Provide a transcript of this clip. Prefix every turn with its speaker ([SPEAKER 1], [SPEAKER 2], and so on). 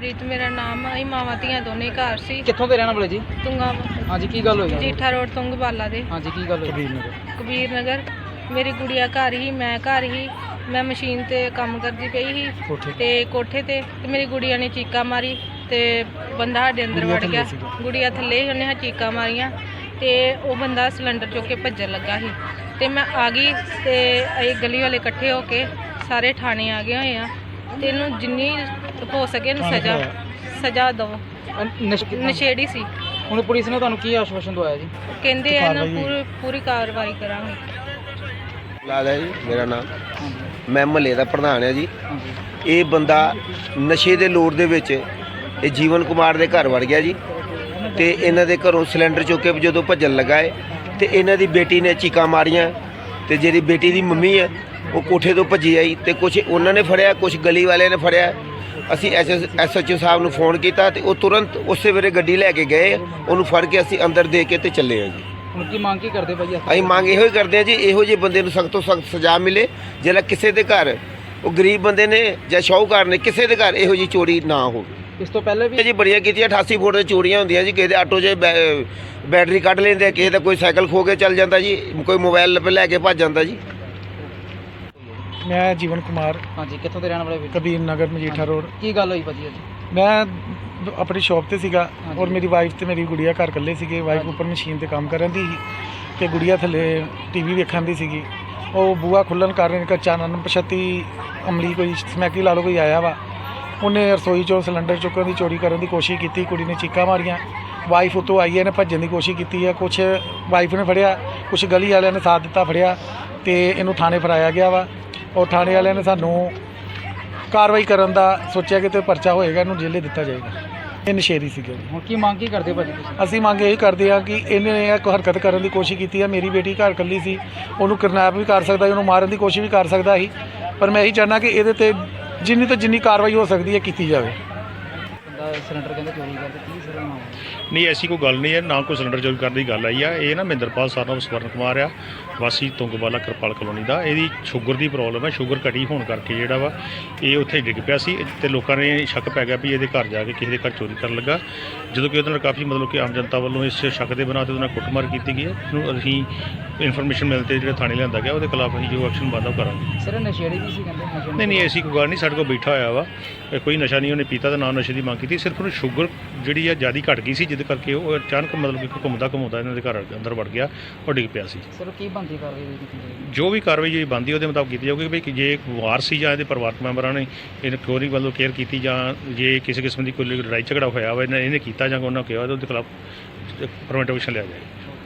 [SPEAKER 1] ਅਮਨਪ੍ਰੀਤ ਮੇਰਾ ਨਾਮ ਹੈ। ਮਾਵਾਂ ਧੀਆਂ ਦੋਨੇ ਘਰ ਸੀ।
[SPEAKER 2] ਕਿੱਥੋਂ ਦੇ ਰਹਿਣ ਵਾਲੇ ਜੀ?
[SPEAKER 1] ਤੁੰਗਾ
[SPEAKER 2] ਹਾਂਜੀ, ਕੀ ਗੱਲ ਹੋਈ?
[SPEAKER 1] ਜੀਠਾ ਰੋਡ ਤੁੰਗਵਾਲਾ ਦੇ।
[SPEAKER 2] ਹਾਂਜੀ, ਕੀ ਗੱਲ ਹੋਈ?
[SPEAKER 1] ਕਬੀਰ ਨਗਰ। ਮੇਰੀ ਗੁੜੀਆ ਘਰ ਹੀ, ਮੈਂ ਘਰ ਹੀ। ਮੈਂ ਮਸ਼ੀਨ ਤੇ ਕੰਮ ਕਰਦੀ ਪਈ ਸੀ ਤੇ ਕੋਠੇ ਤੇ ਮੇਰੀ ਗੁੜੀਆ ਨੇ ਚੀਕਾ ਮਾਰੀ ਤੇ ਬੰਦਾ ਸਾਡੇ ਅੰਦਰ ਵੜ ਗਿਆ। ਗੁੜੀਆ ਥੱਲੇ ਹੀ, ਉਹਨੇ ਚੀਕਾ ਮਾਰੀਆਂ ਤੇ ਉਹ ਬੰਦਾ ਸਿਲੰਡਰ ਚੁੱਕ ਕੇ ਭੱਜਣ ਲੱਗਾ ਸੀ ਤੇ ਮੈਂ ਆ ਗਈ ਤੇ ਇਹ ਗਲੀ ਵਾਲੇ ਇਕੱਠੇ ਹੋ ਕੇ ਸਾਰੇ ਥਾਣੇ ਆ ਗਏ ਹੋਏ ਆ ਤੇ ਇਹਨੂੰ ਜਿੰਨੀ ਹੋ ਸਕੇ ਇਹਨੂੰ ਸਜ਼ਾ ਦਿਓ। ਨਸ਼ੇੜੀ ਸੀ।
[SPEAKER 2] ਹੁਣ ਪੁਲਿਸ ਨੇ ਤੁਹਾਨੂੰ ਕੀ ਆਸ਼ਵਾਸਨ ਦਵਾਇਆ ਜੀ?
[SPEAKER 1] ਕਹਿੰਦੇ ਆ ਨਾ ਪੂਰੀ ਕਾਰਵਾਈ ਕਰਾਂਗੇ।
[SPEAKER 3] ਲਾਲ ਹੈ ਜੀ ਮੇਰਾ ਨਾਮ। ਮੈਂ ਮਹੱਲੇ ਦਾ ਪ੍ਰਧਾਨ ਹਾਂ ਜੀ। ਇਹ ਬੰਦਾ ਨਸ਼ੇ ਦੇ ਲੋੜ ਦੇ ਵਿੱਚ ਇਹ ਜੀਵਨ ਕੁਮਾਰ ਦੇ ਘਰ ਵੜ ਗਿਆ ਜੀ ਤੇ ਇਹਨਾਂ ਦੇ ਘਰੋਂ ਸਿਲੰਡਰ ਚੁੱਕ ਕੇ ਜਦੋਂ ਭੱਜਣ ਲੱਗਾ ਹੈ ਤੇ ਇਹਨਾਂ ਦੀ ਬੇਟੀ ਨੇ ਚੀਕਾਂ ਮਾਰੀਆਂ ਤੇ ਜਿਹੜੀ ਬੇਟੀ ਦੀ ਮੰਮੀ ਹੈ ਉਹ ਕੋਠੇ ਤੋਂ ਭੱਜੀ ਆਈ ਤੇ ਕੁਝ ਉਹਨਾਂ ਨੇ ਫੜਿਆ, ਕੁਝ ਗਲੀ ਵਾਲਿਆਂ ਨੇ ਫੜਿਆ। ਅਸੀਂ SHO ਸਾਹਿਬ ਨੂੰ ਫੋਨ ਕੀਤਾ ਤੇ ਉਹ ਤੁਰੰਤ ਉਸੇ ਵੇਲੇ ਗੱਡੀ ਲੈ ਕੇ ਗਏ। ਉਹਨੂੰ ਫੜ ਕੇ ਅਸੀਂ ਅੰਦਰ ਦੇ ਕੇ ਤੇ ਚੱਲੇ ਹਾਂ ਜੀ।
[SPEAKER 2] ਹੁਣ ਕੀ ਮੰਗ ਕੀ ਕਰਦੇ ਭਾਈ?
[SPEAKER 3] ਅਸੀਂ ਮੰਗ ਇਹੋ ਹੀ ਕਰਦੇ ਹਾਂ ਜੀ, ਇਹੋ ਜਿਹੇ ਬੰਦੇ ਨੂੰ ਸਖਤ ਤੋਂ ਸਖਤ ਸਜ਼ਾ ਮਿਲੇ। ਜਿਹੜਾ ਕਿਸੇ ਦੇ ਘਰ ਉਹ ਗਰੀਬ ਬੰਦੇ ਨੇ ਜਾਂ ਸ਼ਾਹੂਕਾਰ ਨੇ ਕਿਸੇ ਦੇ ਘਰ ਇਹੋ ਜਿਹੀ ਚੋਰੀ ਨਾ ਹੋਵੇ।
[SPEAKER 2] ਇਸ ਤੋਂ ਪਹਿਲੇ ਵੀ
[SPEAKER 3] ਜੀ ਬੜੀਆਂ ਕੀਤੀਆਂ। 88 ਫੁੱਟ ਦੇ ਚੋਰੀਆਂ ਹੁੰਦੀਆਂ ਜੀ। ਕਿਸੇ ਦੇ ਆਟੋ 'ਚ ਬੈਟਰੀ ਕੱਢ ਲੈਂਦੇ, ਕਿਸੇ ਦਾ ਕੋਈ ਸਾਈਕਲ ਖੋ ਕੇ ਚੱਲ ਜਾਂਦਾ ਜੀ, ਕੋਈ ਮੋਬਾਈਲ ਲੈ ਕੇ ਭੱਜ ਜਾਂਦਾ ਜੀ।
[SPEAKER 4] ਮੈਂ ਜੀਵਨ ਕੁਮਾਰ।
[SPEAKER 2] ਹਾਂਜੀ, ਕਿੱਥੋਂ ਦੇ ਰਹਿਣ ਵਾਲੇ ਵੀਰ?
[SPEAKER 4] ਕਬੀਰ ਨਗਰ ਮਜੀਠਾ ਰੋਡ।
[SPEAKER 2] ਕੀ ਗੱਲ ਹੋਈ ਭਾਜੀ ਅੱਜ?
[SPEAKER 4] ਮੈਂ ਆਪਣੀ ਸ਼ਾਪ ਤੇ ਸੀਗਾ ਔਰ ਮੇਰੀ ਵਾਈਫ ਤੇ ਮੇਰੀ ਗੁੜੀਆ ਘਰ ਇਕੱਲੇ ਸੀਗੇ। ਵਾਈਫ ਉੱਪਰ ਮਸ਼ੀਨ ਤੇ ਕੰਮ ਕਰਨ ਦੀ ਸੀ ਤੇ ਗੁੜੀਆ ਥੱਲੇ TV ਵੇਖਣ ਦੀ ਸੀਗੀ। ਉਹ ਬੂਹਾ ਖੁੱਲ੍ਹਣ ਕਾਰਨ ਅਚਾਨਕ ਪਛਤੀ ਅਮਲੀ ਕੋਈ ਸਮੈਕੀ ਲਾ ਲਓ ਕੋਈ ਆਇਆ ਵਾ। ਉਹਨੇ ਰਸੋਈ 'ਚੋਂ ਸਿਲੰਡਰ ਚੁੱਕਣ ਦੀ ਚੋਰੀ ਕਰਨ ਦੀ ਕੋਸ਼ਿਸ਼ ਕੀਤੀ। ਕੁੜੀ ਨੇ ਚੀਕਾਂ ਮਾਰੀਆਂ। ਵਾਈਫ ਉੱਤੋਂ ਆਈ ਹੈ, ਇਹਨੇ ਭੱਜਣ ਦੀ ਕੋਸ਼ਿਸ਼ ਕੀਤੀ ਹੈ। ਕੁਛ ਵਾਈਫ ਨੇ ਫੜਿਆ, ਕੁਛ ਗਲੀ ਵਾਲਿਆਂ ਨੇ ਸਾਥ ਦਿੱਤਾ, ਫੜਿਆ ਤੇ ਇਹਨੂੰ ਥਾਣੇ ਫੜਾਇਆ ਗਿਆ ਵਾ। ਔਰ ਥਾਣੇ ਵਾਲਿਆਂ ਨੇ ਸਾਨੂੰ ਕਾਰਵਾਈ ਕਰਨ ਦਾ ਸੋਚਿਆ ਕਿ ਤੇ ਪਰਚਾ ਹੋਏਗਾ, ਇਹਨੂੰ ਜੇਲੇ ਦਿੱਤਾ ਜਾਏਗਾ। ਇਹ ਨਸ਼ੇੜੀ ਸੀਗਾ ਜੀ।
[SPEAKER 2] ਹੁਣ ਕੀ ਮੰਗ ਕੀ ਕਰਦੇ ਭਾਜੀ ਤੁਸੀਂ?
[SPEAKER 4] ਅਸੀਂ ਮੰਗ ਇਹੀ ਕਰਦੇ ਹਾਂ ਕਿ ਇਹਨੇ ਇਹ ਹਰਕਤ ਕਰਨ ਦੀ ਕੋਸ਼ਿਸ਼ ਕੀਤੀ ਹੈ। ਮੇਰੀ ਬੇਟੀ ਘਰ ਇਕੱਲੀ ਸੀ, ਉਹਨੂੰ ਕਿਡਨੈਪ ਵੀ ਕਰ ਸਕਦਾ, ਉਹਨੂੰ ਮਾਰਨ ਦੀ ਕੋਸ਼ਿਸ਼ ਵੀ ਕਰ ਸਕਦਾ ਸੀ। ਪਰ ਮੈਂ ਇਹੀ ਚਾਹੁੰਦਾ ਕਿ ਇਹਦੇ ਤੇ ਜਿੰਨੀ ਤੋਂ ਜਿੰਨੀ ਕਾਰਵਾਈ ਹੋ ਸਕਦੀ ਹੈ ਕੀਤੀ ਜਾਵੇ।
[SPEAKER 2] ਬੰਦਾ ਸਿਲੰਡਰ ਕਹਿੰਦੇ ਚੋਰੀ ਕਰਦੇ, ਕੀ ਸਰ ਨਾਮ?
[SPEAKER 5] ਨਹੀਂ, ਐਸੀ ਕੋਈ ਗੱਲ ਨਹੀਂ ਹੈ, ਨਾ ਕੋਈ ਸਿਲੰਡਰ ਚੋਰੀ ਕਰਨ ਦੀ ਗੱਲ ਆਈ ਆ। ਇਹ ਨਾ ਮਹਿੰਦਰਪਾਲ ਸਾਹਿਬ ਸਵਰਨ ਕੁਮਾਰ ਆ, ਵਾਸੀ ਤੁੰਗਵਾਲਾ ਕਿਰਪਾਲ ਕਲੋਨੀ ਦਾ। ਇਹਦੀ ਸ਼ੂਗਰ ਦੀ ਪ੍ਰੋਬਲਮ ਹੈ। ਸ਼ੂਗਰ ਘਟੀ ਹੋਣ ਕਰਕੇ ਜਿਹੜਾ ਵਾ ਇਹ ਉੱਥੇ ਡਿੱਗ ਪਿਆ ਸੀ ਤੇ ਲੋਕਾਂ ਨੇ ਸ਼ੱਕ ਪੈ ਗਿਆ ਵੀ ਇਹਦੇ ਘਰ ਜਾ ਕੇ ਕਿਸੇ ਦੇ ਘਰ ਚੋਰੀ ਕਰਨ ਲੱਗਾ। ਜਦੋਂ ਕਿ ਉਹਦੇ ਨਾਲ ਕਾਫੀ ਮਤਲਬ ਕਿ ਆਮ ਜਨਤਾ ਵੱਲੋਂ ਇਸ ਸ਼ੱਕ ਦੇ ਬਿਨਾਂ 'ਤੇ ਉਹਦੇ ਨਾਲ ਕੁੱਟਮਾਰ ਕੀਤੀ ਗਈ ਹੈ। ਇਹਨੂੰ ਅਸੀਂ ਇਨਫੋਰਮੇਸ਼ਨ ਮਿਲ 'ਤੇ ਜਿਹੜਾ ਥਾਣੇ ਲਿਆਂਦਾ ਗਿਆ, ਉਹਦੇ ਖਿਲਾਫ ਅਸੀਂ ਜੋ ਐਕਸ਼ਨ ਬਣਦਾ ਉਹ ਕਰਾਂਗੇ।
[SPEAKER 2] ਸਰ ਨਸ਼ੇੜੀ ਵੀ ਸੀ ਕਹਿੰਦੇ?
[SPEAKER 5] ਨਹੀਂ, ਐਸੀ ਕੋਈ ਗੱਲ ਨਹੀਂ। ਸਾਡੇ ਕੋਲ ਬੈਠਾ ਹੋਇਆ ਵਾ, ਕੋਈ ਨਸ਼ਾ ਨਹੀਂ ਉਹਨੇ ਪੀਤਾ ਤੇ ਨਾ ਨਸ਼ੇ ਦੀ ਮੰਗ ਕੀਤੀ। ਸਿਰਫ ਉਹਨੂੰ ਸ਼ੂਗਰ ਜਿਹੜੀ ਆ ਜ਼ਿਆਦਾ ਘਟ ਗਈ ਸੀ, ਜਿਹਦੇ ਕਰਕੇ ਉਹ ਅਚਾਨਕ ਮਤਲਬ ਕਿ ਘੁੰਮਦਾ ਇਹਨਾਂ ਦੇ ਘਰ ਅੰਦਰ ਵੜ ਗਿਆ, ਉਹ ਡਿੱਗ ਪਿਆ ਸੀ।
[SPEAKER 2] ਸਰ ਕੀ ਬਣਦੀ ਕਾਰਵਾਈ ਕੀਤੀ ਜਾਏਗੀ?
[SPEAKER 5] ਜੋ ਵੀ ਕਾਰਵਾਈ ਜਿਹੜੀ ਬਣਦੀ ਉਹਦੇ ਮੁਤਾਬਕ ਕੀਤੀ ਜਾਊਗੀ। ਵੀ ਜੇ ਵਾਰ ਸੀ ਜਾਂ ਇਹਦੇ ਪਰਿਵਾਰਕ ਮੈਂਬਰਾਂ ਨੇ ਇਹਨੂੰ ਚੋਰੀ ਵੱਲੋਂ ਕੇਅਰ ਕੀਤੀ ਜਾਂ ਜੇ ਕਿਸੇ ਕਿਸਮ ਦੀ ਕੋਈ ਲੜਾਈ ਝਗੜਾ ਹੋਇਆ ਵਾ ਇਹਨੇ ਕੀਤਾ ਜਾਂ ਉਹਨਾਂ ਕਿਹਾ ਉਹਦੇ ਖਿਲਾਫ ਪ੍ਰੀਵੈਂਟਿਵ ਐਕਸ਼ਨ ਲਿਆ ਜਾਏ।